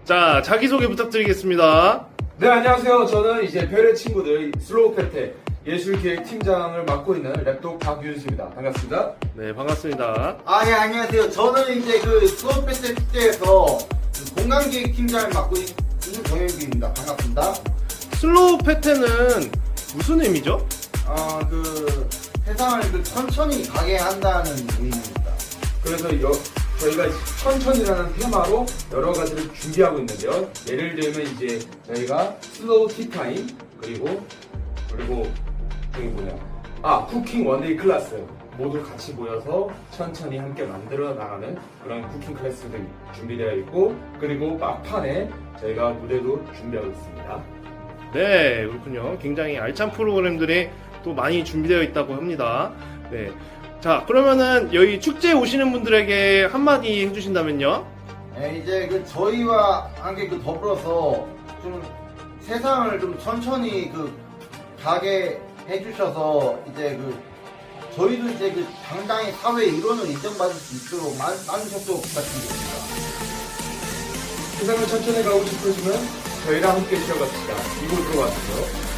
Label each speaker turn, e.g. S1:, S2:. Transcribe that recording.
S1: 자, 자기소개 부탁드리겠습니다.
S2: 네, 안녕하세요. 저는 이제 별의 친구들 슬로우 패테 예술기획팀장을 맡고 있는 랩독 박윤수입니다. 반갑습니다.
S1: 네, 반갑습니다.
S3: 예, 안녕하세요. 저는 이제 그 수업패스 축제에서 공간기획 팀장을 맡고 있는 정현규입니다. 반갑습니다.
S1: 슬로우 패턴은 무슨 의미죠?
S3: 그 세상을 천천히 가게 한다는 의미입니다.
S2: 그래서 저희가 천천히라는 테마로 여러 가지를 준비하고 있는데요. 예를 들면 이제 저희가 슬로우 티타임 그리고 저기 쿠킹 원데이 클래스 모두 같이 모여서 천천히 함께 만들어 나가는 그런 쿠킹 클래스들이 준비되어 있고, 그리고 막판에 저희가 무대도 준비하고 있습니다.
S1: 네, 그렇군요. 굉장히 알찬 프로그램들이 또 많이 준비되어 있다고 합니다. 네. 자, 그러면은 여기 축제에 오시는 분들에게 한마디 해주신다면요?
S3: 네, 이제 저희와 함께 더불어서 좀 세상을 좀 천천히 가게 해주셔서 이제 저희도 이제 당당히 사회의 일원을 인정받을 수 있도록 많으셨도록 부탁드립니다.
S2: 세상을 천천히 가고 싶으시면 저희랑 함께 쉬어갑시다. 이곳으로 와주세요.